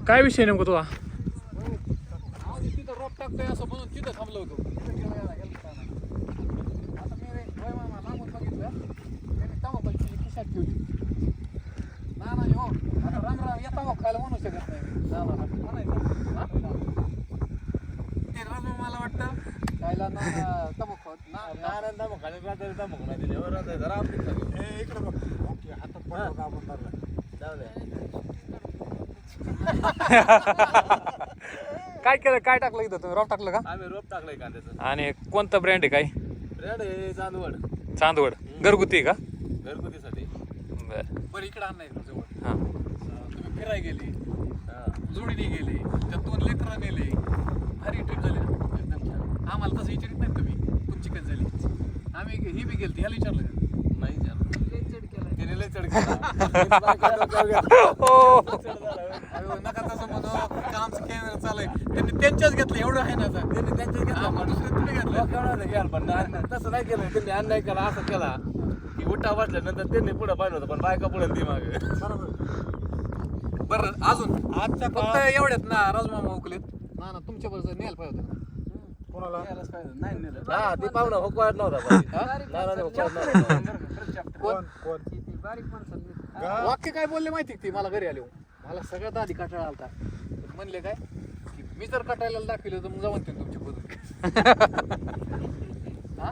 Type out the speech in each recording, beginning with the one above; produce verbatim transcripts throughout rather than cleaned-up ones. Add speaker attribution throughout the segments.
Speaker 1: काय विषय नेमका तुझा?
Speaker 2: तिथं रोप टाकतोय असं म्हणून तिथं थांबलो होतो. आता मी लांबून बघितलं त्यांनी तमाखूची खिशात ठेवली. ना नाही हो आता रामराम या तमाखू खायला म्हणू शकत नाही म्हणायचं. ते राम मला वाटतं खायला ना तमाखू ना तमाखू खायला रात्री तमाखू नाही दिली जरा आपली
Speaker 3: इकडे बघ हातात पडतो आपण धरला जाऊ दे.
Speaker 1: काय केलं काय टाकलं इथं तुम्ही? रोप टाकलं का?
Speaker 2: आम्ही रोप टाकलंय कांद्याचं.
Speaker 1: आणि कोणतं ब्रँड आहे काय?
Speaker 2: ब्रँड आहे चांदवड.
Speaker 1: चांदवड घरगुती आहे का?
Speaker 2: घरगुतीसाठी.
Speaker 1: बरं
Speaker 2: बरं इकडं आण नाही जवळ.
Speaker 1: हां
Speaker 2: तुम्ही फिराय गेली जोडीने गेली त्या दोन लेकरं नेले भारी ट्रिप झाली एकदम छान. आम्हाला तसं विचारित नाही तुम्ही तुमची कधी झाली. आम्ही ही बी गेली ह्याला विचारलं का? नाही विचारलं. त्याने लय चढ केला. नका तसं म्हणू आमचं कॅमेरा चालू आहे. त्यांनी त्यांच्याच घेतलं एवढं आहे ना त्यांनी त्यांच्याच घेतलं दुसरे तुम्ही घेतलं घ्याल पण तसं नाही केलं. त्यांनी अन्याय केला असं केला की उठा वाटल्यानंतर त्यांनी पुढे पाहिलं होतं पण बायका पुढे ती मागे. बरं अजून आजच्या फक्त एवढ्यात ना राजमामा उकलेत ना ना तुमच्या बरोबर न्यायला पाहिजे होतं. कोणाला नाही नेलं. हा ती पाहुणा हुकवायला नव्हता वाक्य काय बोलले माहिती ती मला घरी आले मला सगळ्यात आधी कटाळा आलता. म्हणले काय की मी जर कटायला दाखवलं तर मग जाऊन ते तुमच्या बरोबर. हा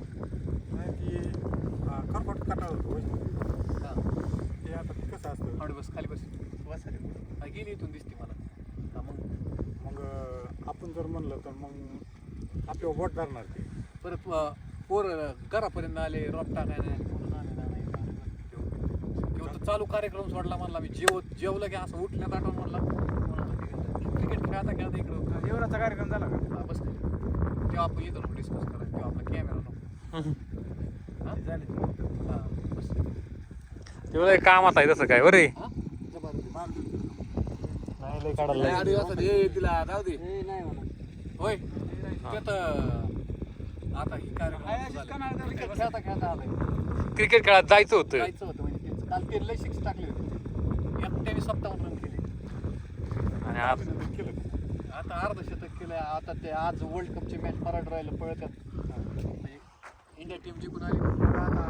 Speaker 3: खरपट कटाळ होतो ते आता कसं असतं.
Speaker 2: थोडी बस खाली बस बस खाली गेली इथून दिसते मला. मग
Speaker 3: मग आपण जर म्हणलं तर मग आपल्यावर बोट धरणार ते.
Speaker 2: परत पोर घरापर्यंत आले रोप टाकायला चालू कार्यक्रम सोडला म्हणला. मी जेव जेवलं की असं उठण्यात आठवण म्हणला क्रिकेट खेळता खेळता इकडं जेवणाचा कार्यक्रम झाला का? बस तेव्हा आपण येतो नको डिस्कस करा तेव्हा आपला कॅमेरा नको झाले. हां बस
Speaker 1: तेवढं कामात आहे तसं काय बरे
Speaker 2: तिला जाऊ दे होय आता ही कार्यक्रम खेळता खेळता आलाय.
Speaker 1: क्रिकेट खेळात जायचं होतं.
Speaker 2: जायचं होतं म्हणजे काल ते लय सिक्स टाकले होते एकट्याने सत्तावन्न रन केले
Speaker 1: आणि आज
Speaker 3: केलं
Speaker 2: आता अर्धशतक केलं. आता ते आज वर्ल्ड कपची मॅच मराठ राहिलं पळतात म्हणजे इंडिया टीम जिंकून आली. आता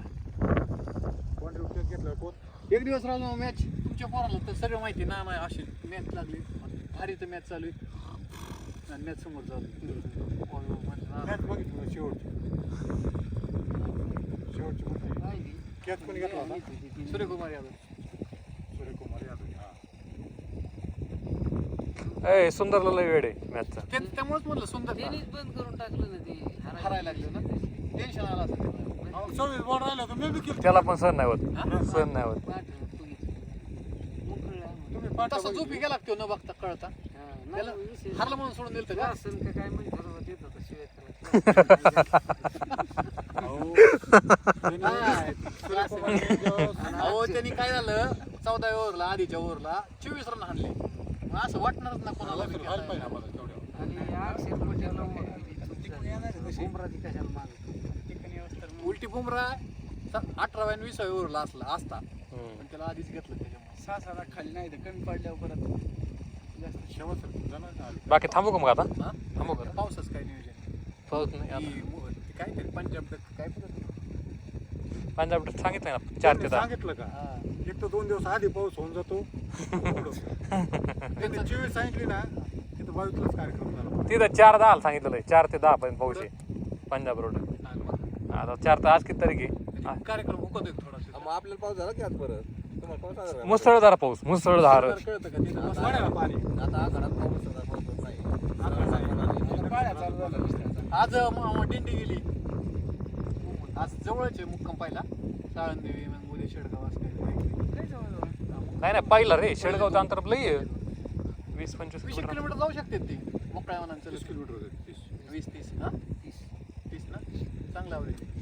Speaker 3: कोण विकेट घेतलं कोण
Speaker 2: एक दिवस राहिलो मॅच तुमच्या पोराला तर सगळं माहिती ना नाही अशी मॅच लागली भारी तर मॅच चालू आहे आणि मॅच समोर चालू
Speaker 3: मॅच बघितलं शेवटची शेवटची कॅच कोणी घेतला होता?
Speaker 2: सूर्यकुमार यादव.
Speaker 3: सूर्यकुमार यादव
Speaker 1: ए सुंदरला लय वेळ आहे मॅचचा.
Speaker 2: त्यामुळेच म्हणलं सुंदर
Speaker 4: बंद करून टाकलं ना ते
Speaker 2: हरायला लागलं ना टेन्शन आलं असं
Speaker 3: सव्वीस बॉल राहिला तर मी बी केलं.
Speaker 1: त्याला पण सण नाही होत सण नाही होत.
Speaker 3: तुम्ही पाठवा
Speaker 2: तसं झोपी गेला तो न बघता कळता त्याला हरलं म्हणून सोडून दिलं का
Speaker 4: काय म्हणजे ठरवत येत होतं शिवाय
Speaker 2: अहो त्यांनी काय झालं चौदा ओव्हरला आधीच्या ओव्हरला चोवीस रन हाणले. असं वाटणारच ना कोणाला बी खेळायला.
Speaker 4: आणि अक्षर पटेल बुमराची कशाला माग
Speaker 2: उलटी बुमरा अठराव्या आणि विसाव्या ओव्हरला असला असता पण त्याला आधीच घेतलं त्याच्यामुळे सहा सहा खाली नाही तर कमी पडल्यावर परत जास्त शेवट
Speaker 1: बाकी थांबू का मग आता?
Speaker 2: हा
Speaker 1: थांबू का?
Speaker 2: पावसाच काय नियोजन
Speaker 1: पाऊस नाही आता.
Speaker 2: काय तरी पंजाब काय पद्धत
Speaker 1: पंजाब सांगितलं ना चार ते दहा.
Speaker 3: सांगितलं का एक तर दोन दिवस आधी पाऊस होऊन जातो. त्यांनी चोवीस सांगितली ना तिथं बावीसलाच कार्यक्रम झाला.
Speaker 1: तिथं चार दहा सांगितलं चार ते दहा पर्यंत पाऊस आहे पंजाब रोड. आता चार तर आज किती तारीख आहे?
Speaker 2: कार्यक्रम हुकत थोडा
Speaker 5: मग आपल्याला पाऊस झाला की आज परत तुम्हाला पाऊस आला का?
Speaker 1: मुसळधार पाऊस मुसळधार.
Speaker 2: कळतं का तिथं
Speaker 3: पाणी
Speaker 5: आता आखाडात पाऊस होता, पाऊस होत नाही.
Speaker 2: आज दिंडी गेली आज जवळच आहे मुक्काम पाहिला साळंदेवी मग उद्या शेडगाव असं काही
Speaker 1: नाही नाही पाहिलं रे शेडगावचं अंतर लई आहे. वीस पंचवीस
Speaker 2: वीस
Speaker 1: किलोमीटर.
Speaker 2: किलोमीटर जाऊ शकते ती मोकळ्या मनांचं
Speaker 3: तीस किलोमीटर होते तीस
Speaker 2: वीस तीस हा तीस तीस ना चांगला आवडेल.